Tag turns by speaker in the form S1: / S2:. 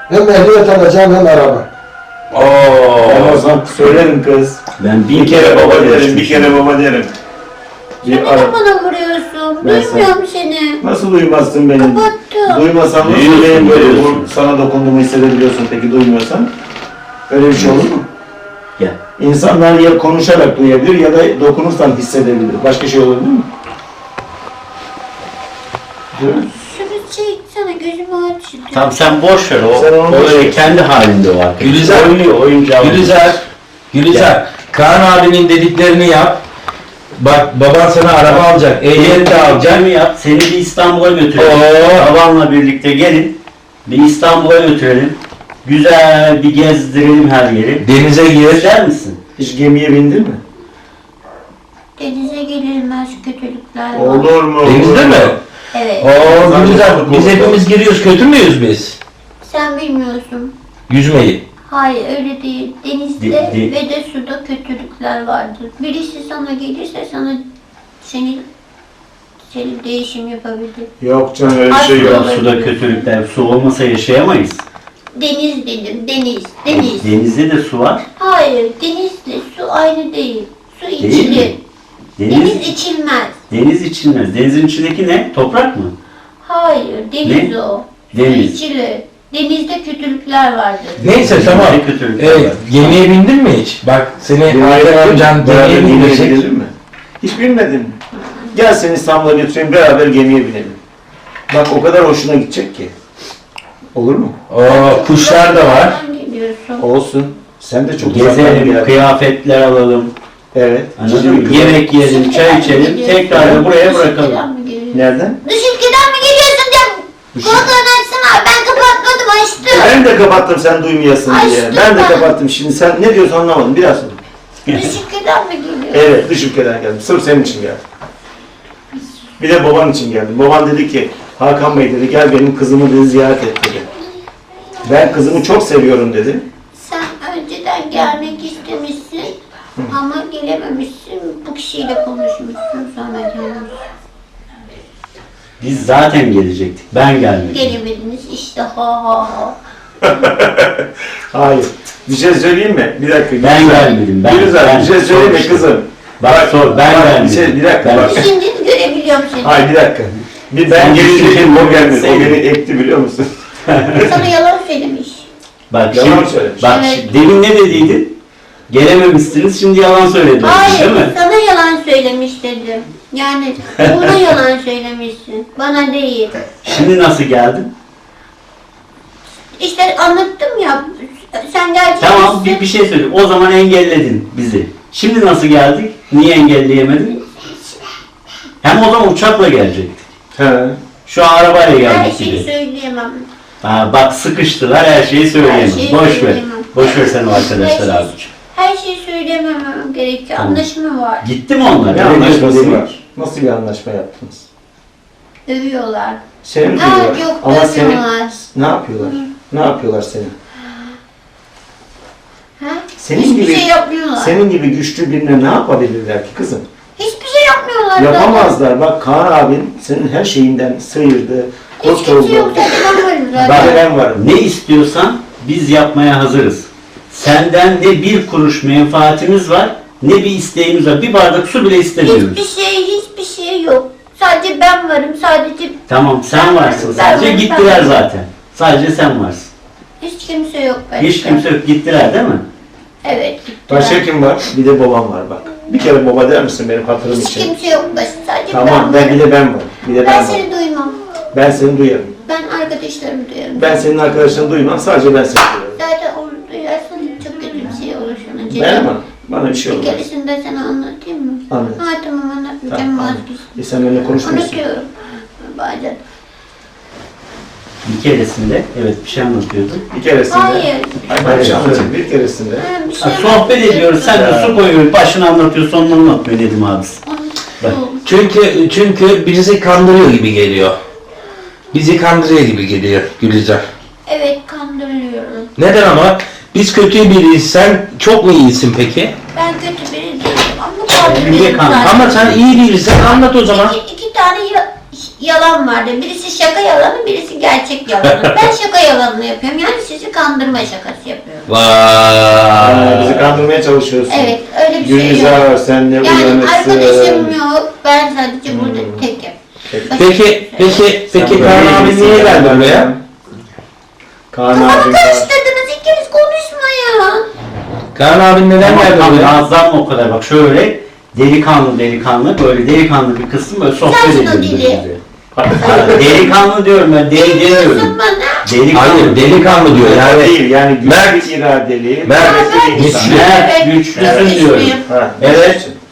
S1: Hem ehliyet alacağım hem araba.
S2: Ben o zaman söylerim kız.
S3: Ben
S2: Bir kere baba derim, bir kere baba derim.
S4: Sen neden bana vuruyorsun?
S2: Ben
S4: Duymuyorum seni.
S2: Nasıl duymazsın beni?
S4: Kapattım.
S2: Duymasan nasıl
S3: Duyuyorsun,
S2: benim böyle
S3: duyuyorsun.
S2: sana dokunduğumu hissedebiliyorsun peki duymuyorsan? Öyle bir şey olur mu?
S3: Gel.
S2: İnsanlar ya konuşarak duyabilir ya da dokunursan hissedebilir. Başka şey olabilir mi?
S4: Şunu çeksene gözümü aç.
S3: Tamam sen boş ver o.
S2: Sen onu
S3: O
S2: boş
S3: öyle
S2: ver.
S3: kendi halinde o arkadaş.
S5: Gülizar.
S3: Oynuyor oyuncağı.
S5: Gülizar, Kaan abinin dediklerini yap. Bak baban sana araba alacak, ehliyet de alacak.
S3: mi yap? Seni bir İstanbul'a götürelim. Babanla birlikte gelin. Bir İstanbul'a götürelim. Güzel bir gezdirelim her yeri.
S5: Denize gir.
S3: İster misin?
S2: Hiç gemiye bindin mi?
S4: Denize gelilmez kötülükler var.
S2: Olur mu?
S5: Denizde
S2: Olur
S5: mi?
S4: Evet.
S5: Oo Gülizar, biz hepimiz giriyoruz. Kötü müyüz biz?
S4: Sen bilmiyorsun.
S5: Yüzmeyi.
S4: Hayır öyle değil. Denizde
S3: De-
S4: ve de suda kötülükler vardır. Birisi sana gelirse sana seni değişim yapabilir.
S2: Yok canım öyle bir şey
S4: Aslında-
S2: yok.
S3: Suda kötülükler. Su olmasa yaşayamayız.
S4: Deniz dedim. Deniz.
S3: Denizde de su var.
S4: Hayır. Denizle su aynı değil. Su
S3: Değil
S4: içilir.
S3: mi?
S4: Deniz içilmez.
S3: Deniz içilmez. Denizin içindeki ne? Toprak mı?
S4: Hayır. Deniz
S3: Ne?
S4: o.
S3: Deniz.
S4: Su içilir. Denizde kötülükler vardır.
S5: Neyse tamam.
S3: Denizde kötülükler var.
S5: Gemiye bindin mi hiç? Bak seni Hakan amcan
S2: Beraber
S5: gemiye
S2: gemiye
S5: bindirecek.
S2: gidelim mi? Hiç binmedin mi? Gel seni İstanbul'a götüreyim beraber gemiye binelim. Bak o kadar hoşuna gidecek ki. Olur mu?
S5: Oo kuşlar da var.
S4: Nereden geliyorsun?
S2: Olsun. Sen de çok uzaktan
S3: Gezelim,
S2: geldin.
S3: kıyafetler alalım.
S2: Evet.
S3: Anladın mı? Yemek yiyelim, çay içelim, tekrar da buraya bırakalım.
S2: Nereden?
S4: Dış ülkeden mi geliyorsun diye. Kulaklarını açsana. Ben kapatmadım açtım.
S2: Ben de kapattım sen duymayasın diye.
S4: Açtım
S2: Ben de
S4: ben.
S2: kapattım. Şimdi sen ne diyorsun anlamadım. Biraz sonra.
S4: Dış ülkeden mi geliyorsun?
S2: Evet dış ülkeden geldim. Sırf senin için geldim. Bir de baban için geldim. Baban dedi ki Hakan Bey dedi gel benim kızımı dedi ziyaret et dedi. Ben kızımı çok seviyorum dedi.
S4: Sen önceden gelmek istemişsin ama gelememişsin. Bu kişiyle konuşmuşsun sonra gelmişsin.
S3: Biz zaten gelecektik. Ben gelmedim.
S4: Gelemediniz işte ha ha ha.
S2: Hayır. Bir şey söyleyeyim mi? Bir dakika.
S3: Ben
S2: Gülizar.
S3: gelmedim, ben-
S2: Gülizar
S3: ben
S2: bir şey söyleyeyim mi
S3: sormuştum.
S2: kızım?
S3: Bak sor, ben
S2: bak,
S3: gelmedim.
S2: Bir, şey, bir dakika
S3: Ben-
S2: bak.
S4: Şimdi görebiliyorum seni.
S2: Hayır bir dakika. Bir ben
S3: Sen
S2: gelecektim o gelmedi. O
S3: Sen-
S2: beni ekti biliyor musun?
S4: Sana yalan söylemiş.
S3: Bak
S2: Yalan
S3: şimdi,
S2: söylemiş.
S3: bak
S4: Evet.
S3: demin ne dediydin? Gelememişsiniz, şimdi yalan söylediniz
S4: Hayır,
S3: değil mi?
S4: sana yalan söylemiş dedim. Yani ona yalan söylemişsin. Bana değil.
S3: Şimdi nasıl geldin?
S4: İşte anlattım ya. Sen gerçekten...
S3: Tamam, bir şey söyleyeyim. O zaman engelledin bizi. Şimdi nasıl geldik? Niye engelleyemedin? Hem o zaman uçakla gelecektik.
S2: He.
S3: Şu an arabayla
S4: Her
S3: geldik
S4: şeyi
S3: gibi.
S4: söyleyemem.
S3: Ha, bak sıkıştılar, her şeyi söyleyemem.
S4: Her şeyi
S3: Boş ver.
S4: söyleyemem.
S3: Boş ver sen o arkadaşlar
S4: Her
S3: abi.
S4: şey- Her şeyi söyleyememem gerekiyor.
S3: Tamam.
S4: Anlaşma var.
S3: Gitti mi onlar?
S2: Ne
S3: Öyle
S2: anlaşması
S3: diyorsun,
S2: var? Nasıl bir anlaşma yaptınız?
S4: Dövüyorlar.
S2: Seni mi
S4: Ha,
S2: duyuyorlar?
S4: yok,
S2: Ama seni
S4: dövüyorlar.
S2: ne yapıyorlar? Ne yapıyorlar seni?
S4: Ha?
S2: Senin
S4: Hiçbir
S2: gibi
S4: şey yapmıyorlar.
S2: senin gibi güçlü birine ne yapabilirler ki kızım?
S4: Hiçbir şey yapmıyorlar.
S2: Yapamazlar. Bak Kaan abin senin her şeyinden sıyırdı.
S4: Hiç kimse yok. Sadece ben varım zaten.
S3: Bak,
S2: Ben varım.
S3: Ne istiyorsan biz yapmaya hazırız. Senden ne bir kuruş menfaatimiz var, ne bir isteğimiz var. Bir bardak su bile istemiyoruz.
S4: Hiçbir şey yok. Sadece ben varım. Sadece
S3: Tamam, sen varsın sadece.
S4: Ben-
S3: Gittiler zaten. Sadece sen varsın.
S4: hiç kimse yok başka.
S3: Hiç kimse yok. Gittiler değil mi?
S4: Evet gittiler.
S2: Başka kim var? Bir de babam var bak. Bir kere baba der misin benim hatırım
S4: Hiç
S2: için?
S4: kimse yok başka. Sadece
S2: Tamam
S4: ben
S2: ben bir de ben varım. Bir de ben
S4: Ben
S2: varım.
S4: seni duymam.
S2: Ben seni duyarım.
S4: Ben arkadaşlarımı duyarım.
S2: Ben senin arkadaşını duymam. Sadece ben seni duyarım.
S4: Zaten onu duyarsan çok kötü bir şey olur sana.
S2: Ben ama bana bir şey
S4: Bir
S2: olmaz.
S4: keresinde sana anlatayım mı?
S2: Anlat.
S4: Ha tamam anlatmayacağım
S2: Tamam.
S4: vazgeçtim.
S2: Sen benimle konuşmuyorsun.
S4: Unutuyorum. Bazen.
S3: Bir keresinde, evet bir şey anlatıyordun.
S2: Bir keresinde.
S4: Hayır.
S2: Hayır, anlatayım. Bir keresinde.
S4: Ha, bir
S3: Ha,
S4: şey
S3: sohbet
S4: anlatacağım.
S3: ediyoruz, sen de su koyuyorsun, başını anlatıyor, sonunu anlatmıyor dedim abisi.
S4: Unuttum.
S5: Çünkü bizi kandırıyor gibi geliyor. Bizi kandırıyor gibi geliyor Gülizar.
S4: Evet kandırılıyorum.
S5: Neden ama? Biz kötü biriyiz. Sen çok mu iyisin peki?
S4: Ben kötü biri değilim ama kandırıyorum
S3: Niye kandırıyorsun?
S4: zaten.
S5: Ama sen iyi birisin. Anlat o zaman.
S4: İki tane yalan vardır. Birisi şaka yalanı, birisi gerçek yalanı. Ben şaka yalanını yapıyorum. Yani sizi kandırma şakası yapıyorum.
S2: Bizi
S5: Vay.
S2: kandırmaya çalışıyorsun.
S4: Evet, öyle bir şey yok.
S2: Gülizar sen ne
S4: Yani
S2: uyanıksın.
S4: arkadaşım yok. Ben sadece burada tekim.
S5: Peki Kaan abi niye geldi buraya?
S2: Kaan
S4: Kafamı
S2: abim var.
S4: karıştırdınız. İkiniz konuşma ya.
S5: Kaan abi neden geldi
S3: Tamam,
S5: buraya?
S3: nazlanma o kadar. Bak şöyle delikanlı böyle delikanlı bir kısım böyle sohbet
S4: Sen şunu
S3: edelim
S4: dili.
S3: birbirimize. Delikanlı diyorum ben, deli
S4: Diyorsun
S3: diyorum.
S4: bana.
S3: Delikanlı.
S5: Hayır delikanlı diyor
S2: Yani
S5: yani.
S2: değil yani
S5: Mert.
S2: güçlü iradeli.
S5: Mert.
S2: kuvvetli bir insan.
S5: Güçlü.
S3: Evet, güçlüsün diyorum.
S2: Ha,
S3: Evet.
S2: güçlü.